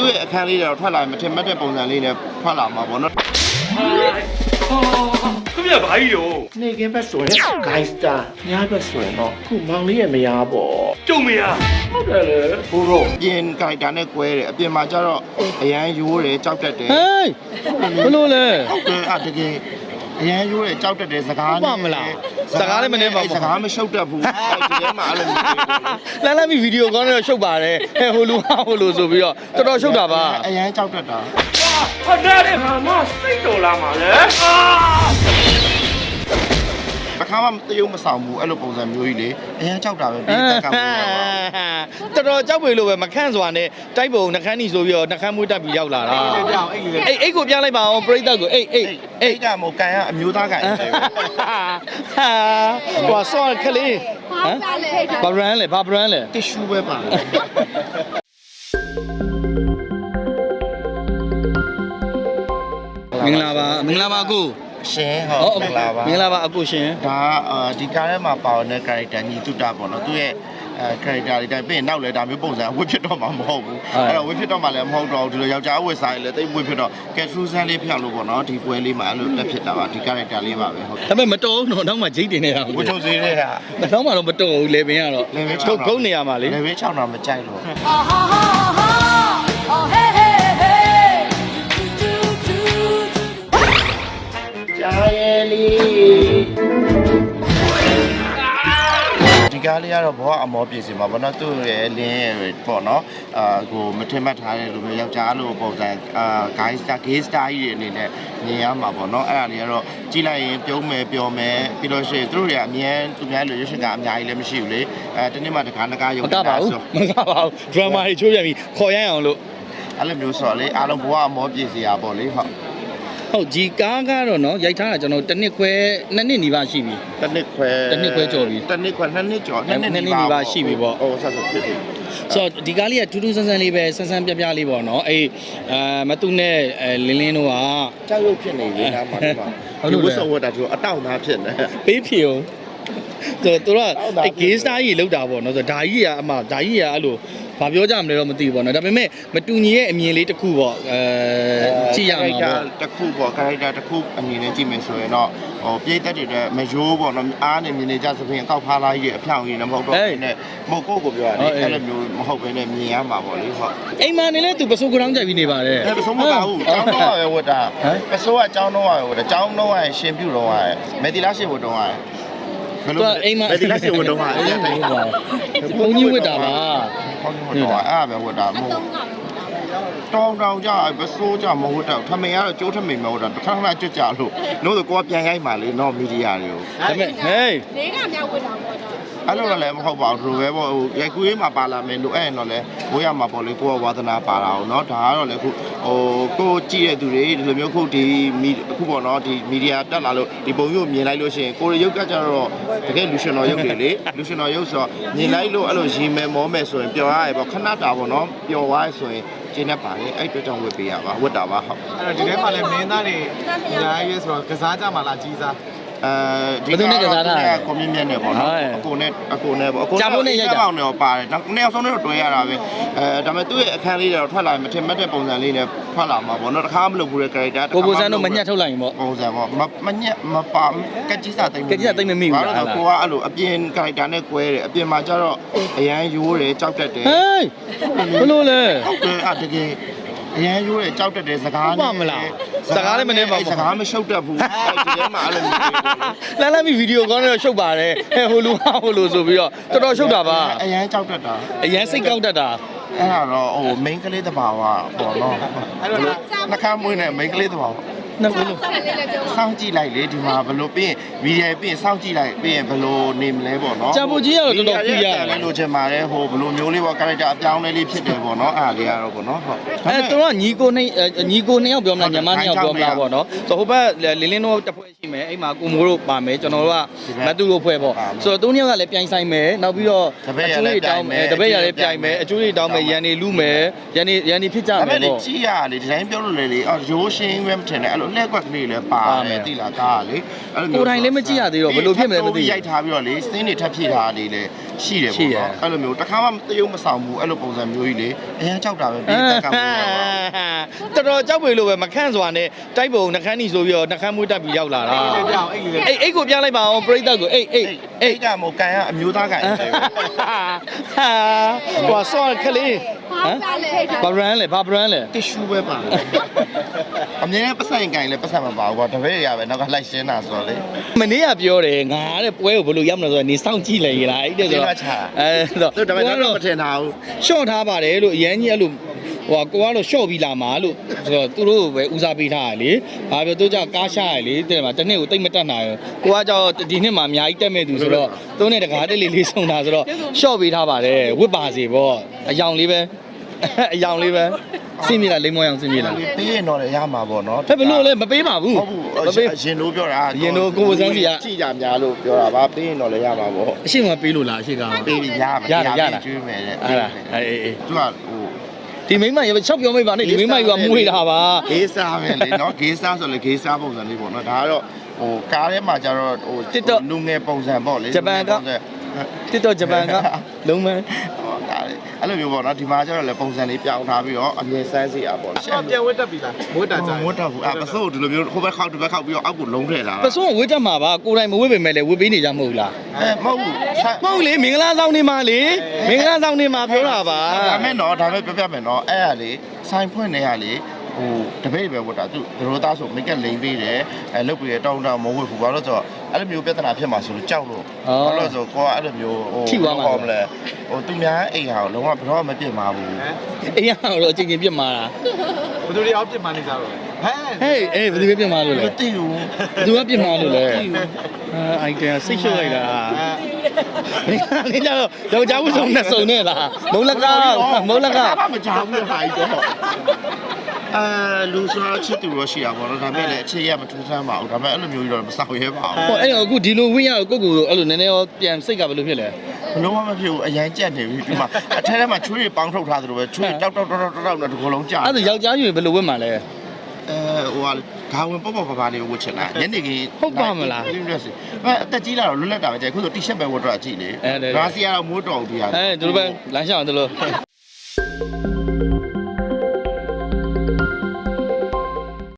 ရဲ့အခန်းလေးတော့ထွက်လာရင်မထင်မှတ်တဲ့ပုံစံလေးနဲ့ထွက်လာမှာပေါ့နော်ခင်ဗျာဘာကြီးရောနေကင်းဘက်ဆိုရင် guys တာညာဘက်ဆိုရင်တော့ခုမောင်လေးရဲ့မယားပေါ့ကျုံမရဟုတ်တယ်လေဘိုးတော့ပြင် character နဲ့ကွဲတယ်အပြင်မှာကျတော့အရန်ရိုးတယ်ကြောက်တတ်တယ်ဟေးဘလို့လဲဟုတ်တယ်အတကယ်အရန်ရိုးတယ်ကြောက်တတ်တယ်စကားဟုတ်ပါမလားစကားလည်းမနေပါဘူးစကားမရှုပ်တတ်ဘူးဒီထဲမှာအဲ့လိုမျိုးလမ်းမီဗီဒီယိုကောင်းတော့ရှုပ်ပါတယ်ဟဲ့ဟိုလူဟာဟိုလူဆိုပြီးတော့တော်တော်ရှုပ်တာပါအရန်ကြောက်တတ်တာဟာဒါတဲ့ဘာမှစိတ်တော်လာမှာလဲအာတခါမှတရုပ်မဆောင်ဘူးအဲ့လိုပုံစံမျိုးကြီးလေအရန်ကြောက်တာပဲပြီးတက်ကပ်ဘူးပါတော်တော်ကြောက်ပေလို့ပဲမခန့်စွာနဲ့တိုက်ပုံနှခမ်းနီဆိုပြီးတော့နှခမ်းမွေးတက်ပြီးရောက်လာတာအိတ်ကိုပြလိုက်ပါအောင်ပြိတ္တကိုအိတ်ကမို့ကန်ကအမျိုးသားကန်တယ်ဟာဟိုဆော့ခလေးဟမ်ဘာဘရန်လဲဘာဘရန်လဲတစ်ရှူပဲပါမင်္ဂလာပါမင်္ဂလာပါကိုရှင်ဟုတ်မင်္ဂလာပါမင်္ဂလာပါအကိုရှင်ဒါဒီကားထဲမှာပါတဲ့ character ညီတုတာပေါ့နော်သူရဲ့character တွေတိုင်းပြင်နောက်လဲဒါမျိုးပုံစံအဝတ်ဖြစ်တော့မှာမဟုတ်ဘူးအဲ့တော့ဝတ်ဖြစ်တော့မှလည်းမဟုတ်တော့ဘူးဒီလိုယောက်ျားအဝတ်စားရင်လည်းတိတ်ဝတ်ဖြစ်တော့ casual လေးဖြောင်းလို့ပေါ့နော်ဒီပွဲလေးမှာအဲ့လိုတက်ဖြစ်တာပါဒီ character လေးပါပဲဟုတ်ဒါပေမဲ့မတော်ဘူးတော့နောက်မှဂျိတ်တင်နေတာဝတ်ထုတ်စေးတဲ့ကနောက်မှတော့မတော်ဘူးလေပင်ကတော့ထုတ်ကုန်းနေရမှာလေလေဘေး6တော့မကြိုက်လို့ ကြာရဲ့လီဒီကားလေးကတော့ဘောကအမောပြည့်စင်ပါဘောနော်သူ့ရဲ့လင်းရဲ့ပေါ့နော်ကိုမထင်မှတ်ထားတဲ့လူမျိုးယောက်ျားလိုပုံစံgay star ကြီးတွေအနေနဲ့မြင်ရမှာပေါ့နော်အဲ့ဒါလေးကတော့ကြည့်လိုက်ရင်ပြုံးမယ်ပျော်မယ်ပြီးလို့ရှိရင်သူတို့တွေကအမြဲသူများလိုရွှေရှင်ကအများကြီးလည်းမရှိဘူးလေတနေ့မှတကားရုံမကပါဘူးမကပါဘူးဒရမာတွေချိုးပြန်ပြီးခေါ်ရအောင်လို့အဲ့လိုမျိုးဆိုတော့လေအားလုံးဘောကအမောပြည့်စရာပေါ့လေဟုတ်ဒီကားကတော့နော်ရိုက်ထားတာကျွန်တော်တစ်နှစ်ခွဲနှစ်နှစ်နီးပါးရှိပြီတစ်နှစ်ခွဲကျော်ပြီနှစ်နှစ်ကျော်နှစ်နှစ်နီးပါးရှိပြီပေါ့ဟုတ်ဆက်ဖြစ်ပြီဆိုတော့ဒီကားလေးကထူးထူးဆန်းဆန်းလေးပဲဆန်းဆန်းပြပြလေးပေါ့နော်အေးမတူနဲ့လင်းတို့ကကြောက်ရွံ့ဖြစ်နေပြီလားမှာဒီဝတ်စုံဝတ်တာသူအတောင့်သားဖြစ်နေပေးဖြေအောင်သူကအဲ gay star ကြီးလောက်တာပေါ့နော်ဆိုတော့ဒါကြီးကအမဒါကြီးကအဲ့လိုဘာပြောကြမလဲတော့မသိဘူးပေါ့နော်ဒါပေမဲ့မတူညီရဲ့အမြင်လေးတစ်ခုပေါ့ကြည့်ရမှာပေါ့တစ်ခုပေါ့ character တစ်ခုအမြင်နဲ့ကြည့်မယ်ဆိုရင်တော့ဟိုပြည့်တက်တွေမရိုးပေါ့နော်အားနေမြင်နေကြသဖြင့်အကောက်ဖားလာကြီးအဖြောင်ကြီးလည်းမဟုတ်တော့ဘူးနဲ့မဟုတ်ကိုပြောရတယ်အဲ့လိုမျိုးမဟုတ်ဘဲနဲ့မြင်ရမှာပေါ့လေဟုတ်အိမ်မနေလဲသူပစိုးကရောင်းကြိုက်ပြီးနေပါတယ်အဲ့ပစိုးမပါဘူးကျောင်းတော့ပဲဝတ်တာပစိုးကကျောင်းတော့ပဲဝတ်တာကျောင်းတော့ရရှင်ပြုတော့ရမယ်တီလာရှင်ဝတ်တော့ရဘယ်လိုမယ်တီလာရှင်ဝတ်တော့ရအဲ့ဒါတိုင်းပါဘုံကြီးဝတ်တာပါဟုတ်တယ်ဟုတ်တယ်အဲ့ဒါပဲဝတ်တာမဟုတ်တောင်ကြပစိုးကြမဟုတ်တော့ထမိန်ကတော့ကျိုးထမိန်မဟုတ်တာတစ်ခါခါကြွကြလို့လို့ဆိုကိုကပြန်ရိုက်ပါလေနော်မီဒီယာတွေကိုဒါပေမဲ့ဟေးလေးကမြောက်ဝတ်တာပေါ့တော့အဲ့လိုလည်းမဟုတ်ပါဘူးသူပဲပေါ့ဟိုရိုက်ကူးရေးမှာပါလာမယ်လို့အဲ့ရင်တော့လေဘိုးရမှာပေါ့လေကိုကဝါသနာပါတာအောင်เนาะဒါကတော့လေခုဟိုကိုကြည့်တဲ့သူတွေဒီလိုမျိုးခုဒီအခုပေါ့เนาะဒီမီဒီယာတက်လာလို့ဒီပုံမျိုးမြင်လိုက်လို့ရှိရင်ကိုရရုပ်ကကြတော့တကယ်လူရှင်တော်ရုပ်တွေလေလူရှင်တော်ရုပ်ဆိုတော့မြင်လိုက်လို့အဲ့လိုရေမယ်မောမယ်ဆိုရင်ပျော်ရရပေါ့ခဏတာပေါ့เนาะပျော်သွားဆိုရင်ကျင်းနေပါလေအဲ့အတွက်ကြောင့်ဝတ်ပေးရပါဝတ်တာပါဟုတ်အဲ့တော့ဒီထဲမှာလည်းမင်းသားတွေအများကြီးဆိုတော့ကစားကြမှာလားကြီးစားဒီကွန်မြူနတီနဲ့ပေါ့နော်အကိုနဲ့ပေါ့အကိုနဲ့တော့ပါတယ်နောက်နှစ်ယောက်ဆုံးတော့တွဲရတာပဲဒါပေမဲ့သူ့ရဲ့အခန်းလေးတော့ထွက်လာရင်မထင်မှတ်တဲ့ပုံစံလေးနဲ့ထွက်လာမှာပေါ့နော်တခါမလုပ်ဘူးတဲ့ character ကိုကိုစန်းတို့မညှက်ထုတ်လိုက်ရင်ပေါ့ပုံစံပေါ့မညက်မပါကကြီးစားတိတ်ကကြီးစားတိတ်မမိဘူးလားကိုကအဲ့လိုအပြင် character နဲ့ကွဲတယ်အပြင်မှာကျတော့အရန်ရိုးတယ်ကြောက်တတ်တယ်ဟေးဘလို့လဲဟုတ်တယ်အတကယ်အရန်ရိုးတယ်ကြောက်တတ်တယ်စကားဟုတ်ပါမလားစကားလည်းမနေပါဘူးစကားမရှုပ်တတ်ဘူးအဲ့ဒီထဲမှာအဲ့လိုလမ်းမီဗီဒီယိုကောင်းတော့ရှုပ်ပါတယ်ဟဲ့ဟိုလူဟာဟိုလူဆိုပြီးတော့တော်တော်ရှုပ်တာပါအရန်ကြောက်တတ်တာအရန်စိတ်ကောက်တတ်တာအဲ့ဒါတော့ဟို main ကလေးတဘာဝပေါ့နော်အဲ့လိုနှခမ်းမွေးနဲ့ main ကလေးတဘာဝနှစ်ခုလုံးဆက်လေးလည်းကျုံစောင့်ကြည့်လိုက်လေဒီမှာဘယ်လိုပြီးရင်ဗီဒီယိုပြီးရင်စောင့်ကြည့်လိုက်ပြီးရင်ဘယ်လိုနေမလဲပေါ့နော်ဂျာပူကြီးကတော့တော်တော်ပြရတယ်လို့ချင်ပါတယ်ဟိုဘယ်လိုမျိုးလေးပေါ့ character အပြောင်းလဲလေးဖြစ်တယ်ပေါ့နော်အားလေးကတော့ပေါ့နော်ဟုတ်အဲသူကညီကိုနှစ်ယောက်ပြောမလားညီမနှစ်ယောက်ပြောမလားပေါ့နော်ဆိုတော့ဟိုဘက်လင်းလင်းတို့တစ်ဖွဲ့ရှိမယ်အဲ့မှာကိုမိုးတို့ပါမယ်ကျွန်တော်တို့ကမတူတို့ဖွဲ့ပေါ့ဆိုတော့သူနှစ်ယောက်ကလည်းပြိုင်ဆိုင်မယ်နောက်ပြီးတော့အကျိုးတွေတောင်းမယ်တပည့်ရလည်းပြိုင်မယ်အကျိုးတွေတောင်းမယ်ရန်နေလူမယ်ရန်နေဖြစ်ကြမယ်ပေါ့ကြည့်ရလေဒီတိုင်းပြောလို့လေအော်ရိုးရှင်းပဲမထင်နဲ့အဲ့လိုလက်ကွက်ကလေးလည်းပါတယ်တိလားကားလေအဲ့လိုမျိုးကိုယ်တိုင်လည်းမကြည့်ရသေးတော့ဘယ်လိုဖြစ်မလဲမသိဘူးရိုက်ထားပြီးတော့လေစင်းတွေထပ်ဖြည့်ထားတာလေးလည်းရှိတယ်ပေါ့နော်အဲ့လိုမျိုးတစ်ခါမှတရုပ်မဆောင်ဘူးအဲ့လိုပုံစံမျိုးကြီးလေအရင်ကြောက်တာပဲပြီးတက်ကပ်ပြီးတော့တော်တော်ကြောက်ပေလို့ပဲမခန့်စွာနဲ့တိုက်ပုံနှခမ်းနီဆိုပြီးတော့နှခမ်းမွေးတက်ပြီးရောက်လာတာအဲ့ကြောင့်အဲ့ဒီလေအိတ်ကိုပြလိုက်ပါအောင်ပြိတ္တကိုအိတ်အဲ့ကမို့ကန်ကအမျိုးသားကန်တယ်ဟာဟိုဆော့ခလေးဘာလဲဘာဘရန်လဲဘာဘရန်လဲတစ်ရှူပဲပါတယ်အမြဲတမ်းပတ်ဆိုင်ကန်လည်းပတ်ဆိုင်မပါဘူးကွာတပည့်ရပဲနောက်ကလိုက်ရှင်းတာဆိုတော့လေမနေ့ကပြောတယ်ငါတဲ့ပွဲကိုဘယ်လိုရောက်မလဲဆိုတော့နေစောင့်ကြည့်လိုက်ရလားအဲ့တဲ့ဆိုတော့ဆိုတော့သူတပည့်တော့မထင်တာဘူးရှော့ထားပါတယ်လို့အရန်ကြီးအဲ့လိုဟိုကိုကတော့ရှော့ပြီးလာမှာလို့ဆိုတော့သူတို့ပဲဦးစားပေးထားရလေဘာပြောသူကြောင့်ကားရှာရလေတဲ့မှာတစ်နှစ်ကိုတိတ်မတက်နိုင်ဘူးကိုကကြောင့်ဒီနှစ်မှာအများကြီးတက်မဲ့သူဆိုတော့သူနဲ့တကားတက်လေးဆုံးတာဆိုတော့ရှော့ပေးထားပါတယ်ဝစ်ပါစီပေါ့အယောင်လေးပဲအယောင်လေးပဲစင်မြေလားလိမ္မောအောင်စင်မြေလားပေးရင်တော့လည်းရမှာပေါ့နော်ဖက်ဘလို့လဲမပေးပါဘူးဟုတ်ဘူးရင်တို့ပြောတာရင်တို့ကိုယ်စမ်းစီကကြည့်ကြများလို့ပြောတာပါပေးရင်တော့လည်းရမှာပေါ့အရှိမပေးလို့လားအရှိကပေးပြီးရမှာကျွေးမယ်တဲ့အဲ့ဒါအေးသူကဟိုဒီမိမရေချောက်ပြောမိပါနဲ့ဒီမိမကြီးကမွေးတာပါဂေးစားပဲလေနော်ဂေးစားဆိုလေဂေးစားပုံစံလေးပေါ့နော်ဒါကတော့ဟိုကားထဲမှာကျတော့ဟိုလူငယ်ပုံစံပေါ့လေတစ်တော့ဂျပန်ကလုံးမအဲ့လိုမျိုးပေါ့နော်ဒီမှာကျတော့လေပုံစံလေးပြောင်းထားပြီးတော့အမြင်ဆန်းစီအားပေါ့ရှေ့ပြန်ဝတ်တက်ပြီလားဝတ်တာကြာဝတ်တော့ဘူးအပစိုးဒီလိုမျိုးဟိုဘက်ခောက်ဒီဘက်ခောက်ပြီးတော့အောက်ကိုလုံးထည့်လာပစုံဝတ်တတ်မှာပါကိုယ်တိုင်မဝတ်ပေမဲ့လည်းဝတ်ပေးနေကြမဟုတ်လားမဟုတ်ဘူးမဟုတ်လေမင်္ဂလာဆောင်နေမှာလေမင်္ဂလာဆောင်နေမှာပြောတာပါဒါမဲ့နော်ဒါမဲ့ပြပြမယ်နော်အဲ့ရလေဆိုင်ဖွင့်နေရလေဟိုတပည့်ပဲဝတ်တာသူတို့သားဆိုမိတ်ကလိန်ပေးတယ်အဲလုတ်ပြီးတောင်းတမဝတ်ဘူးဘာလို့ဆိုတော့အဲ့လိုမျိုးပြဿနာဖြစ်မှာဆိုလို့ကြောက်လို့ဘာလို့ဆိုကိုကအဲ့လိုမျိုးဟိုမလဲဟိုသူများအိမ်ဟာလုံးဝဘယ်တော့မှမပြစ်မှာဘူးအေးရတော့အချင်းချင်းပြစ်မှာလားဘယ်သူတွေအောက်ပြစ်မှနေကြတော့လဲဟဲ့ဟေးအေးဘယ်သူပဲပြစ်မှာလို့လဲမသိဘူးဘယ်သူကပြစ်မှာလို့လဲအိုက်တယ်စိတ်ရှုပ်လိုက်တာမင်းကလည်းတော့ယောက်ျားဦးဆုံးနဲ့စုံနေလားမုံလကားမကြောက်ဘူးဟာကြီးတော့လူစားချစ်သူရောရှိတာပေါ့နော်ဒါပေမဲ့လည်းအခြေရမထူးဆန်းပါဘူးဒါပေမဲ့အဲ့လိုမျိုးကြီးတော့မဆောက်ရဲပါဘူးဟိုအဲ့တော့အခုဒီလိုဝင်းရကိုကိုအဲ့လိုနည်းနည်းရောပြန်စိတ်ကဘယ်လိုဖြစ်လဲဘလုံးမဖြစ်ဘူးအရန်ကြက်နေပြီဒီမှာအထက်ထဲမှာချွေးတွေပေါင်းထုတ်ထားသလိုပဲချွေးတောက်နဲ့ဒီကုလုံးကြာအဲ့ဒါယောက်ျားကြီးဘယ်လိုဝတ်မှာလဲဟိုကဂါဝင်ပေါ့ပါလေးဝတ်ချင်တာညနေခင်းအသက်ကြီးလာတော့လွတ်လပ်တာပဲကြိုက်ခုဆိုတီရှပ်ပဲဝတ်တော့ကြည့်လေဂါစီကတော့မိုးတော်အောင်ပြရတယ်ဒီလိုပဲလမ်းလျှောက်တယ်လို့